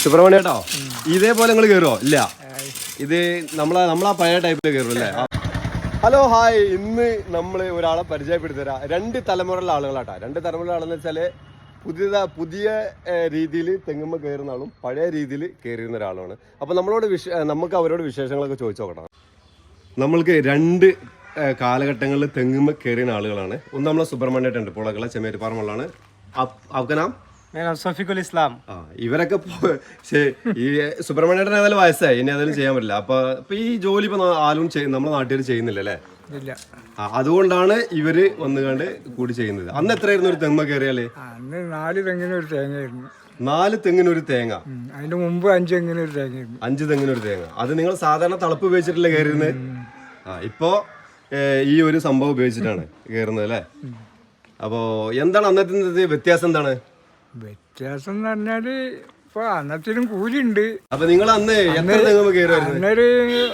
സുബ്രഹ്മണ്യ കേട്ടോ, ഇതേപോലെ നിങ്ങൾ കയറുമോ? ഇല്ല, ഇത് നമ്മളാ പഴയ ടൈപ്പിൽ കയറും അല്ലേ? ഹലോ ഹായ്, ഇന്ന് നമ്മൾ ഒരാളെ പരിചയപ്പെടുത്തി തരാം. 2 തലമുറയിലെ ആളുകളാട്ടാ. 2 തലമുറയിലെ ആളെന്ന് വെച്ചാൽ പുതിയ രീതിയിൽ തെങ്ങുമ്മ കയറുന്ന ആളും പഴയ രീതിയിൽ കയറിയുന്ന ഒരാളുമാണ്. അപ്പോൾ നമുക്ക് അവരോട് വിശേഷങ്ങളൊക്കെ ചോദിച്ചു നോക്കണം. നമ്മൾക്ക് 2 കാലഘട്ടങ്ങളിൽ തെങ്ങുമ്മ കയറിയ ആളുകളാണ്. ഒന്ന് നമ്മളെ സുബ്രഹ്മണ്യേട്ടുണ്ട്, പുളകള ചെമ്മേരിപ്പാറമുള്ളതാണ്. അവക്കനാം സഫീഖുൽ ഇസ്ലാം. ഇവരൊക്കെ ഈ സുബ്രഹ്മണ്യേട്ടൻ ഏതായാലും വയസ്സായി, ഇനി ഏതായാലും ചെയ്യാൻ പറ്റില്ല. അപ്പൊ ഈ ജോലി ഇപ്പൊ ആരും നമ്മുടെ നാട്ടുകാർ ചെയ്യുന്നില്ല അല്ലേ? അതുകൊണ്ടാണ് ഇവര് വന്നുകൊണ്ട് കൂടി ചെയ്യുന്നത്. അന്ന് എത്രയായിരുന്നു ഒരു തെങ്ങ് കയറിയാല്? 4 തെങ്ങിനൊരു തേങ്ങയായിരുന്നു. 4 തെങ്ങിനൊരു തേങ്ങ. അതിന്റെ മുമ്പ് 5 തെങ്ങിനൊരു തേങ്ങയായിരുന്നു. 5 തെങ്ങിനൊരു തേങ്ങ. അത് നിങ്ങൾ സാധാരണ തളപ്പ് ഉപയോഗിച്ചിട്ടല്ലേ കയറുന്നത്? ഇപ്പോ ഈ ഒരു സംഭവം ഉപയോഗിച്ചിട്ടാണ് കയറുന്നത് അല്ലേ? അപ്പോ എന്താണ് അന്നത്തെ വ്യത്യാസം? എന്താണ് വ്യത്യാസം എന്ന് പറഞ്ഞാല് ഇപ്പൊ അന്നത്തിനും കൂലിയുണ്ട്. അപ്പൊ നിങ്ങൾ അന്ന് എത്ര തെങ്ങുമ്പോ കയറുമായിരുന്നു? അന്നൊരു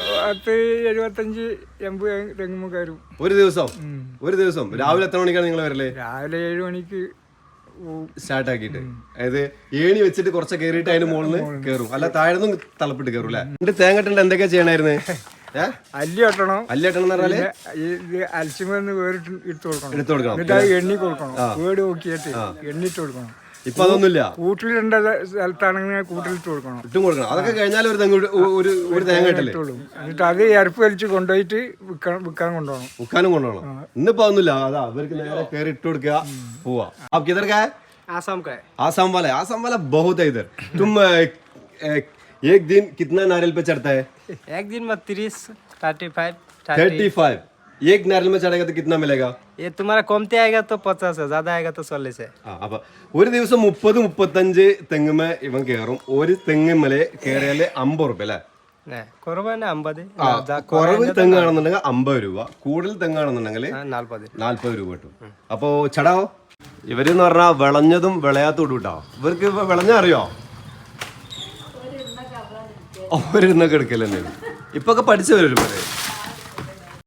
75-80 തെങ്ങുമ്പോ കയറും ഒരു ദിവസം. രാവിലെ എത്ര മണിക്കാണ് നിങ്ങൾ വരല്? രാവിലെ 7 മണിക്ക് സ്റ്റാർട്ട് ആക്കിയിട്ട്, അതായത് ഏണി വെച്ചിട്ട് കുറച്ച് കയറിയിട്ട് അതിന് മുകളിൽ കയറും, അല്ല താഴെന്നും തളപ്പിട്ട് കയറും അല്ലേ? എന്നിട്ട് തേങ്ങട്ടുണ്ട് എന്തൊക്കെയാ ചെയ്യണായിരുന്നു? അല്ലി വെട്ടണം എന്ന് പറഞ്ഞാല് ഇത് അലച്ചിമെന്ന് വേറിട്ട് എടുത്തു കൊടുക്കണം. എന്നിട്ട് അത് എണ്ണി കൊടുക്കണം. വീട് നോക്കിയിട്ട് എണ്ണിട്ട് കൊടുക്കണം. ഇപ്പൊ അതൊന്നുമില്ല. കൂട്ടിലിടേണ്ട സ്ഥലത്താണെങ്കിൽ കൂട്ടിലിട്ട് കൊടുക്കണം. ഇട്ടും കൊടുക്കണം. അതൊക്കെ കഴിഞ്ഞാൽ ഒരു തേങ്ങ കിട്ടുള്ളൂ. എന്നിട്ട് അത് ഇരപ്പ് വലിച്ച് കൊണ്ടുപോയിട്ട് വിൽക്കാൻ കൊണ്ടുപോകണം. വിൽക്കാനും കൊണ്ടുപോകണം. ഇന്നിപ്പോ ഒന്നുമില്ല, അതാ അവർക്ക് നേരെ കയറി ഇട്ട് കൊടുക്കുക, പോവാ. आप किधर का है? आसाम का है. आसाम वाला बहुत है इधर. तुम एक दिन कितना नारियल पे चढ़ता है? एक दिन में 35. एक नारियल में चढ़ेगा तो कितना मिलेगा? ये तुम्हारा कमती आएगा तो 50 है, ज्यादा आएगा तो 40 है. അപ്പൊ ഒരു ദിവസം 30-35 തെങ്ങുമേ ഇവൻ കയറും. ഒരു തെങ്ങുമേലെ കയറിയാല് 50 രൂപ അല്ലേ? കുറവ് തെങ്ങാണെന്നുണ്ടെങ്കിൽ 50 രൂപ, കൂടുതൽ തെങ്ങാണെന്നുണ്ടെങ്കിൽ 40 രൂപ കിട്ടും. അപ്പോ ചടാവോ. ഇവരെന്ന് പറഞ്ഞാൽ വിളഞ്ഞതും വിളയാത്തോടും കിട്ടോ. ഇവർക്ക് വിളഞ്ഞ അറിയോ? ഒരിന്നൊക്കെ എടുക്കൽ തന്നെയാണ്. ഇപ്പൊക്കെ പഠിച്ചു വരും.